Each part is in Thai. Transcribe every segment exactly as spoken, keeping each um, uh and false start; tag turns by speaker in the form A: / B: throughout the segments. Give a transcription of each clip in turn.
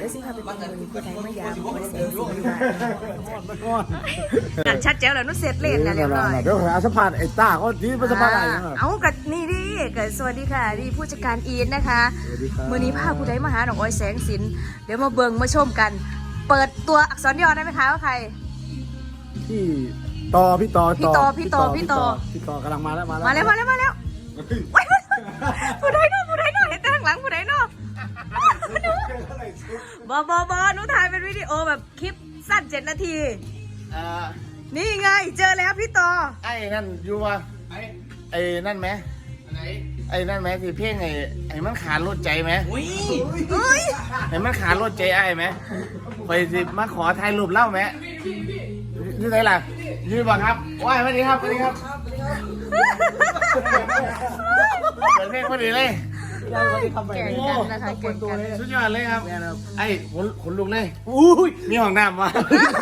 A: ยวสิค่ะเป็นคนมีผู้ใดมายามคอยเสียงสิกันชัดแจ๋วแล้วนุเสร็จเล่นแล้วเรียบร้อย
B: เดี๋ยวหาสัมภาษณ์ไอ้ต้าเขาที่เป็นสัมภาษณ์อะไร
A: เอากับนี่ดิกับสวัสดีค่ะดีผู้จัดการอีทนะคะมื้อนี้พาผู้ใดมาหาดอกอ้อยแสงสินเดี๋ยวมาเบิ่งมาชมกัน เปิดตัวอักษรย่อได้ไหมคะว่าใคร
B: พี่ต่อพี่ต่อ
A: พี่ต่อพี่ต่อพี่ต่อ
B: พี่ต่อกำลังมาแล้วมาแล้ว
A: มาแล้วมาแล้วมาแล้วผู้ใดเนาะผู้ใดเนาะเห็นแต่ข้างหลังผู้ใดเนาะบอบอบอหนูถ่ายเป็นวิดีโอแบบคลิปสั้นเจ็ดนาทีนี่ไงเจอแล้วพี่ต่อ
B: ไอ้นั่นอยู่วะไอ้ไอ้นั่นไหมไอ้นั่นไหมที่เพ่งไอ้ไอ้มันขาดรถใจไหมอุ้ยไอ้มันขาดรถใจไอ้ไหมไปสิมาขอถ่ายรูปเล่าไหมยืนไหนล่ะยืนบ่ครับว้ายสวัสดีครับสวัสดีครับเปิดเพลงพอดีเลย
A: แก่งกันนะคะแก่งกัน
B: สุดยอดเลยครับไอ้ขนขนลุกเลยอุ้ยมีห้องน้ำมา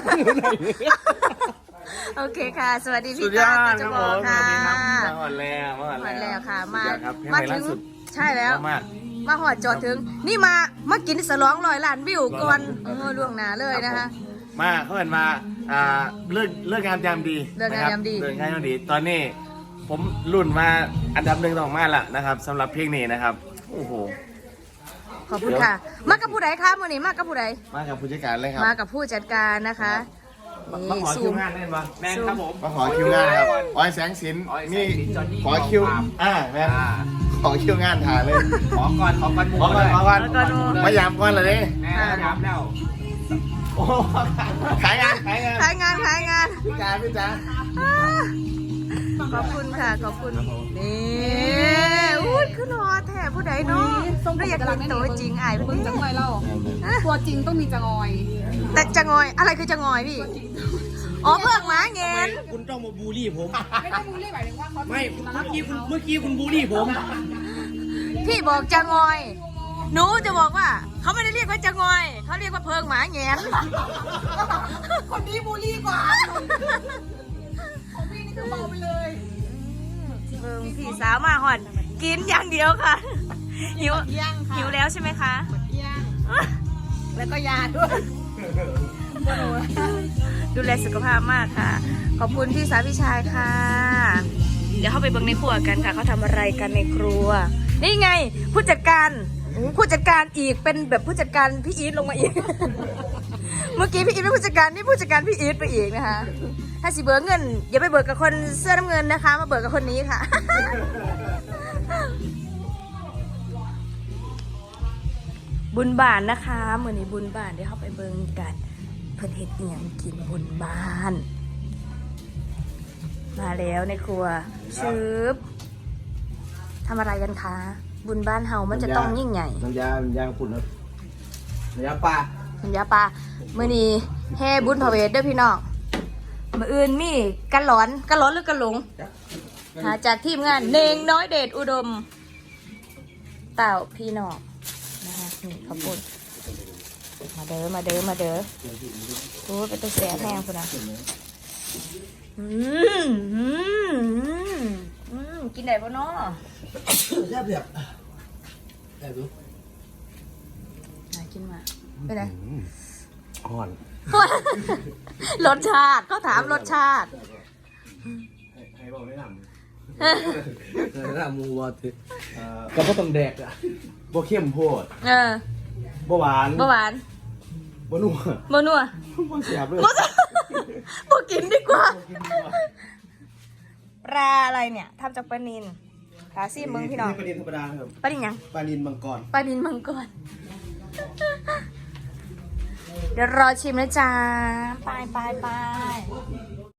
A: โอเคค่ะสวัสดีพี่ต้าจะบอกค่ะ
B: มาหอดแล้วมาหอด
A: แล้วค่ะมา
B: มาถึง
A: ใช่แล้วมาหอดจอดถึงนี่มามากินสลองร้อยล้านวิวก่อนเออล่วงหน้าเลยนะคะ
B: มาเขาเห็นมาอ่าเลิกเลิกงานยามดี
A: เลิกงานยามดี
B: เลิกงานยามดีตอนนี้ผมรุ่นมาอันดับหนึ่งต้องมาละนะครับสำหรับเพลงนี้นะครับโอ้โห
A: ขอบคุณค่ะมากับผู้ใดคะมื่อนี้มากับผู้ใด
B: มากับผู้จัดการเลยครับ
A: มากับผู้จัดการนะคะ
B: มาขอคิวงานเล่นปะแม่ครับผมมาขอคิวงานครับอ้อยแสงสินนี่ขอคิวอ่าแม่ขอคิวงานถ่ายเลย
C: ขอก่อนขอก่อน
B: ขอก่อนขอก่อนมายามก่อนเลยดิ
C: แม่ยามแล้ว
B: โอ้ขายงานขายงาน
A: ขายงานขายงาน
B: พี่จ๋าพี่จ๋า
A: ขอบคุณค่ะขอบคุณนี่อุ้ยขึ้นหอแถบผู้ใดเนาะเราอยากเห็นตัวจริงไอ้
D: เพิ่งจังอยเล่าตัวจริงต้องมีจังอย
A: แต่จังอยอะไรคือจังอยพี่อ๋อเพื่อกหมาเงิน
C: คุณต้องมาบูลลี่ผม
D: ไม่ได้บูลลี่หมายถึงว่าเขา
C: ไม่เมื่อกี้คุณเมื่อกี้คุณบูลลี่ผม
A: พี่บอกจังอยหนูจะบอกว่าเขาไม่ได้เรียกว่าจังอยเขาเรียกว่าเพิงหมาเงิน
D: คนนี้บูลลี่กว่าของพี่นี่คือเบาไปเลย
A: เพิงพี่สาวมาหอนกินอย่างเดียวค่ะหิวหิวแล้วใช่ไหมคะ
D: แล้วก็ยาด้วย
A: ดูแลสุขภาพมากค่ะขอบคุณพี่สาวพี่ชายค่ะเดี๋ยวเข้าไปเบิ่งในครัวกันค่ะเขาทำอะไรกันในครัวนี่ไงผู้จัดการผู้จัดการอีกเป็นแบบผู้จัดการพี่อีทลงมาอีกเมื่อกี้พี่อีทเป็นผู้จัดการนี่ผู้จัดการพี่อีทไปอีกนะคะถ้าสิเบิกเงินอย่าไปเบิกกับคนเสื้อน้ำเงินนะคะมาเบิกกับคนนี้ค่ะบุญบานนะคะเมื่อนี้บุญบานเดี๋ยวเข้าไปเบิ่งกันเพิ่นเฮ็ดเอียงกินบุญบ้านมาแล้วในครัวชืบทำอะไรกันคะบุญบ้านเฮามันจะต้องยิ่งใหญ่
B: น้ำยาน้ำยาขุ่นครับน้ำยาปลา
A: น้ำยาปลาเมื่อนี้แห่บุญพระเวทเด้อพี่น้องมื้ออื่นมีกันหลอนกันหลอนหรือกันหลงหาจากทีมงานเนงน้อยเดชอุดมเต่าพี่น้องนะคะนี่ขอบคุณมาเด้อมาเด้อมาเด้อโอ้เป็นตัวแสบแห้งคุณนะอืมอืมอืมกินได้ปะเนาะ
B: แซ่บแบบแซ่บดู
A: น่ากินมาไปไหน
B: อ่อน
A: รสชาติเขาถามรสชาติ
B: ให้บอกไม่ทำไม่ทำมูวอติก็เพราะต้องแดกอ่ะบ่เข้มโพด
A: เออ
B: บ่หวาน
A: บ่หวาน
B: บ่นัว
A: บ่นัว
B: บ่เสียบเลย
A: บ่กินดีกว่าปลาอะไรเนี่ยทำจากปลานิลขาซี่มึงพี่น้อง
B: ปลานิลธรรมดาครับ
A: ปลานิลยัง
B: ปลานิลมังกร
A: ปลานิลมังกรเดี๋ยวรอชิมนะจ๊ะไปไปไป